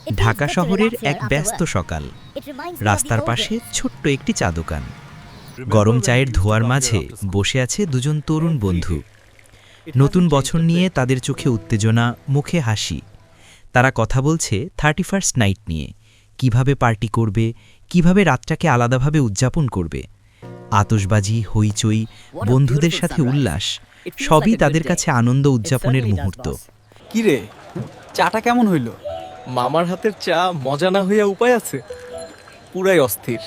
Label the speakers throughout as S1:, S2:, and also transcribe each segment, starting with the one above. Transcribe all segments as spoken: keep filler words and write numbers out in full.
S1: ঢাকা শহরের এক ব্যস্ত সকাল। রাস্তার পাশে ছোট্ট একটি চা দোকান। গরম চায়ের ধোঁয়ার মাঝে বসে আছে দুজন তরুণ বন্ধু। নতুন বছর নিয়ে তাদের চোখে উত্তেজনা, মুখে হাসি। তারা কথা বলছে থার্টি ফার্স্ট নাইট নিয়ে, কিভাবে পার্টি করবে, কিভাবে রাতটাকে আলাদাভাবে উদযাপন করবে। আতশবাজি, হইচই, বন্ধুদের সাথে উল্লাস, সবই তাদের কাছে আনন্দ উদযাপনের মুহূর্ত।
S2: কিরে, চাটা কেমন হইল? মামার হাতের চা মজা না হইয়া উপায় আছে? পুরাই অস্থির।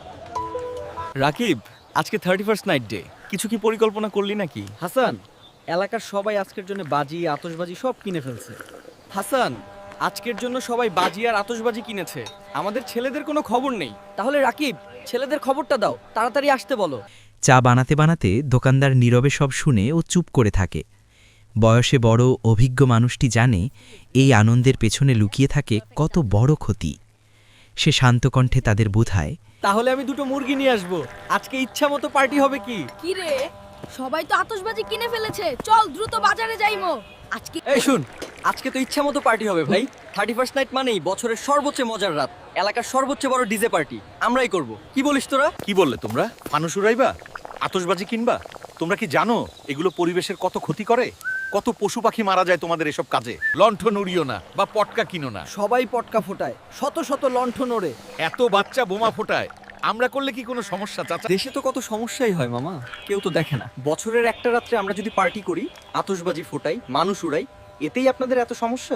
S2: রাকিব, আজকে থার্টি ফার্স্ট নাইট ডে, কিছু কি পরিকল্পনা করলি নাকি?
S3: হাসান, এলাকার সবাই আজকের জন্য বাজি আতশবাজি সব কিনে ফেলছে।
S2: হাসান, আজকের জন্য সবাই বাজি আর আতশবাজি কিনেছে, আমাদের ছেলেদের কোনো খবর নেই।
S3: তাহলে রাকিব, ছেলেদের খবরটা দাও, তাড়াতাড়ি আসতে বলো।
S1: চা বানাতে বানাতে দোকানদার নীরবে সব শুনে ও চুপ করে থাকে। বয়সে বড় অভিজ্ঞ মানুষটি জানে এই আনন্দের পেছনে লুকিয়ে থাকে কত বড় ক্ষতি। সে শান্ত কণ্ঠে তাদের বোঝায়,
S2: তাহলে আমি দুটো মুরগি নিয়ে আসবো, আজকে ইচ্ছা মতো পার্টি হবে কি?
S4: কি রে, সবাই তো আতশবাজি কিনে ফেলেছে, চল দ্রুত বাজারে যাইমো। আজকে
S3: এই শুন, আজকে তো ইচ্ছা মতো পার্টি হবে ভাই। থার্টি ফার্স্ট নাইট মানেই বছরের সর্বোচ্চ মজার রাত, এলাকার সর্বোচ্চ বড় ডিজে পার্টি আমরাই করব। কি বলিস তোরা?
S5: কি বললে তোমরা? ফানুস উড়াইবা, আতশবাজি কিনবা? তোমরা কি জানো এগুলো পরিবেশের কত ক্ষতি করে? কত পশু পাখি মারা যায় তোমাদের এসব কাজে। লণ্ঠন উড়িও না বা পটকা কিনো না।
S3: সবাই পটকা ফোটায়, শত শত লণ্ঠন ওড়ে।
S5: এত বাচ্চা বোমা ফোটায়, আমরা করলে কি কোনো সমস্যা চাচা?
S3: দেশে তো কত সমস্যাই হয় মামা, কেউ তো দেখে না। বছরের একটা রাত্রে আমরা যদি পার্টি করি, আতশবাজি ফোটাই, মানুষ উড়াই, এতেই আপনাদের এত সমস্যা?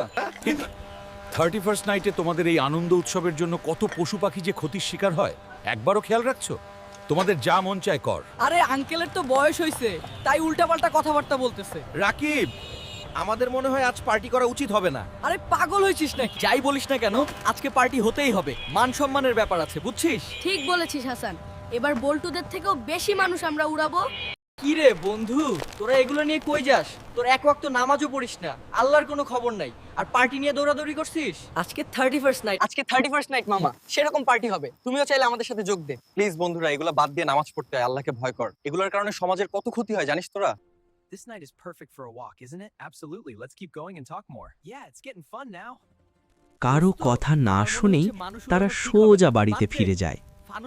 S5: থার্টি ফার্স্ট নাইটে তোমাদের এই আনন্দ উৎসবের জন্য কত পশু পাখি যে ক্ষতির শিকার হয়, একবারও খেয়াল রাখছো? তোমাদের যা মন চায় কর।
S3: আরে আঙ্কেলের তো বয়স হয়েছে, তাই উল্টাপাল্টা কথাবার্তা বলতেছে।
S2: রাকিব, আমাদের মনে হয় আজ পার্টি করা উচিত হবে না।
S3: আরে পাগল হয়েছিস নাকি? যাই বলিস না কেন, আজকে পার্টি হতেই হবে। মান সম্মানের ব্যাপার আছে, বুঝছিস?
S4: ঠিক বলেছিস হাসান, এবার বল্টুদের থেকেও বেশি মানুষ আমরা উড়াবো।
S3: কি রে বন্ধু, তোরা এগুলো নিয়ে কই যাস? তোর এক ওয়াক্ত নামাজও পড়িস না, আল্লাহর কোনো খবর নাই, আর পার্টি নিয়ে দৌড়াদৌড়ি করছিস। আজকে থার্টি ফার্স্ট নাইট, আজকে থার্টি ফার্স্ট নাইট মামা, সেরকম পার্টি হবে, তুমিও চাইলে আমাদের সাথে যোগ দে।
S2: প্লিজ বন্ধুরা, এগুলো বাদ দিয়ে নামাজ পড়তে হয়, আল্লাহকে ভয় কর। এগুলোর কারণে সমাজের কত ক্ষতি হয় জানিস তোরা?
S6: This night is perfect for a walk, isn't it? Absolutely. Let's keep going and talk more. Yeah, it's getting fun now.
S1: কারো কথা না শুনেই তারা সোজা বাড়িতে ফিরে যায়।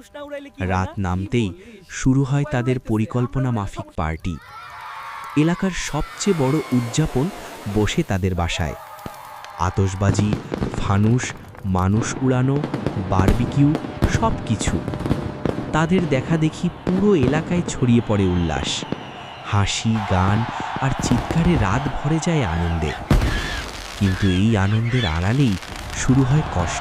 S1: রাত নামতেই শুরু হয় তাদের পরিকল্পনা মাফিক পার্টি। এলাকার সবচেয়ে বড় উদযাপন বসে তাদের বাসায়। আতশবাজি, ফানুস, মানুষ উড়ানো, বারবিকিউ, সব কিছু। তাদের দেখা দেখি পুরো এলাকায় ছড়িয়ে পড়ে উল্লাস, হাসি, গান আর চিৎকারে রাত ভরে যায় আনন্দে। কিন্তু এই আনন্দের আড়ালেই শুরু হয় কষ্ট।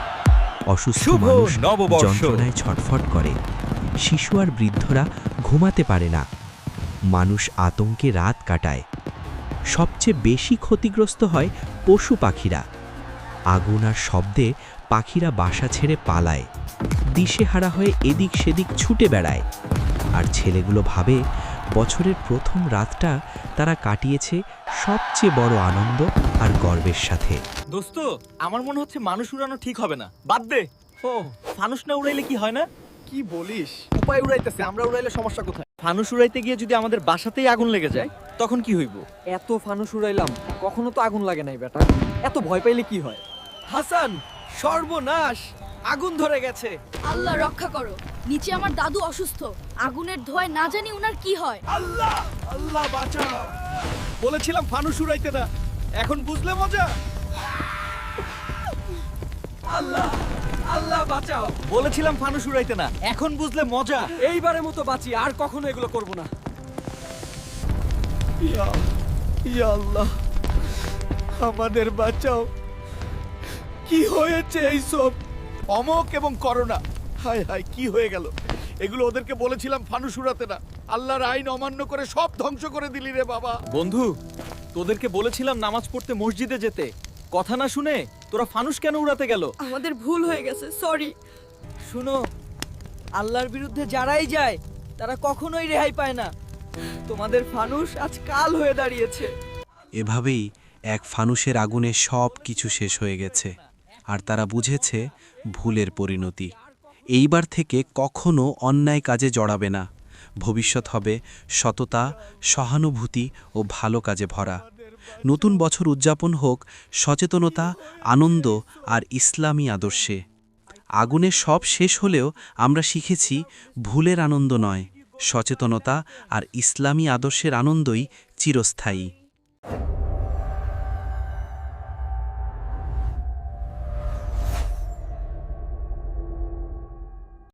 S1: অসুস্থ মানুষ যন্ত্রণায় ছটফট করে, শিশু আর বৃদ্ধরা ঘুমাতে পারে না, মানুষ আতঙ্কে রাত কাটায়। সবচেয়ে বেশি ক্ষতিগ্রস্ত হয় পশু পাখিরা। আগুন আর শব্দে পাখিরা বাসা ছেড়ে পালায়, দিশেহারা হয়ে এদিক সেদিক ছুটে বেড়ায়। আর ছেলেগুলো ভাবে বছরের প্রথম রাতটা তারা কাটিয়েছে সবচেয়ে বড় আনন্দ আর গর্বের সাথে।
S2: দোস্ত, আমার মনে হচ্ছে মানুষ উড়ানো ঠিক হবে না, বাদ দে। ও, ফানুস না উড়াইলে কি হয় না?
S3: কি বলিস? উপায় উড়াইতেছে, আমরা উড়াইলে সমস্যা কোথায়?
S2: ফানুস উড়াইতে গিয়ে যদি আমাদের বাসাতেই আগুন লেগে যায়, তখন কি হইব?
S3: এত ফানুস উড়াইলাম, কখনো তো আগুন লাগে নাই বেটা, এত ভয় পাইলে কি হয়?
S2: হাসান, সর্বনাশ, আগুন ধরে গেছে।
S4: আল্লাহ রক্ষা করো, নিচে আমার দাদু অসুস্থ, আগুনের ধোঁয়ায় না জানি উনার কি হয়।
S5: আল্লাহ, আল্লাহ বাঁচাও। বলেছিলাম ফানুস উড়াইতে না, এখন বুঝলে মজা?
S3: আল্লাহ, আল্লাহ বাঁচাও।
S2: বলেছিলাম ফানুস উড়াইতে না, এখন বুঝলে মজা।
S3: এইবারের মতো বাঁচি, আর কখনো এগুলো করব না।
S2: ইয়া ইয়া আল্লাহ, আমাদের বাঁচাও। কি হয়েছে এইসব?
S5: অমক এবং করোনা, হায় হায়, কি হয়ে গেল? এগুলো ওদেরকে বলেছিলাম ফানুস উড়াতে না, আল্লাহর আইন অমান্য করে সব ধ্বংস করে দিলি রে বাবা।
S2: বন্ধু, তোদেরকে বলেছিলাম নামাজ পড়তে মসজিদে যেতে, কথা না শুনে তোরা ফানুস কেন উড়াতে গেল?
S4: আমাদের ভুল হয়ে গেছে, সরি।
S3: শুনো, আল্লাহর বিরুদ্ধে যারাই যায় তারা কখনোই রেহাই পায় না। তোমাদের ফানুস আজ কাল হয়ে দাঁড়িয়েছে।
S7: এভাবেই এক ফানুসের আগুনে সব কিছু শেষ হয়ে গেছে, আর তারা বুঝেছে ভুলের পরিণতি। এইবার থেকে কখনো অন্যায় কাজে জড়াবে না। ভবিষ্যৎ হবে সততা, সহানুভূতি ও ভালো কাজে ভরা। নতুন বছর উদযাপন হোক সচেতনতা, আনন্দ আর ইসলামী আদর্শে। আগুনের সব শেষ হলেও আমরা শিখেছি ভুলের আনন্দ নয়, সচেতনতা আর ইসলামী আদর্শের আনন্দই চিরস্থায়ী।